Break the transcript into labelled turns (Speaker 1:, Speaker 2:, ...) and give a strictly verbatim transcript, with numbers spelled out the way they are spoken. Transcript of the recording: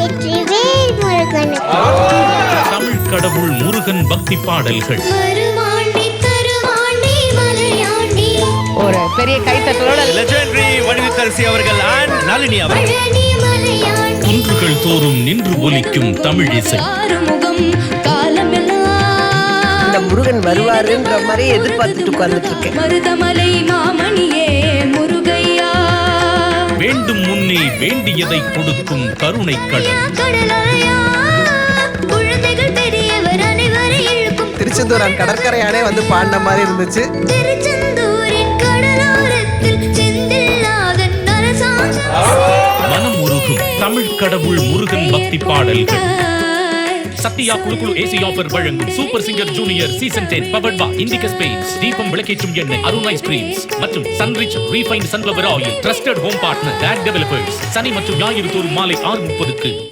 Speaker 1: வெற்றிவேல் முருகனுக்கு.
Speaker 2: தமிழ் கடவுள் முருகன் பக்தி பாடல்கள்.
Speaker 3: ஒரு பெரிய கைத்தட்டலோட
Speaker 4: லெஜெண்டரி வடிவுத்தரசி அவர்கள் and நளினி அவர்கள்.
Speaker 2: குன்றுகள் தோறும் நின்று ஒலிக்கும் தமிழ் இசை.
Speaker 3: இந்த முருகன் வருவாருன்ற மாதிரி எதிர்பார்த்துட்டு உட்கார்ந்துட்டு இருக்கேன்.
Speaker 5: மருதமலை மாமணியே முருகையா,
Speaker 2: வேண்டும் முன்னே வேண்டியதை கொடுக்கும் கருணை கடல்.
Speaker 5: குழந்தைகள் பெரியவர் அனைவரை இழுக்கும்
Speaker 6: திருச்செந்தூரான் கடற்கரையானே வந்து பாடின மாதிரி இருந்துச்சு.
Speaker 5: திருச்செந்தூரின் கடலோரத்தில் செந்தில்நாதன் அரசாங்கம்.
Speaker 2: மனம் உருகும் தமிழ் கடவுள் முருகன் பக்தி பாடல்கள். சத்யா குழு குழு ஏசி ஆஃபர் வழங்கும் super singer junior season ten powered by Indigo paints, Deepam விளக்கேற்றும் எண்ணெய், அருண் ஐஸ்கிரீம்ஸ் மற்றும் Sunrich refined sunflower oil. Trusted home partner DAC developers. சனி மற்றும் ஞாயிறு தோறும் மாலை ஆறு முப்பதுக்கு.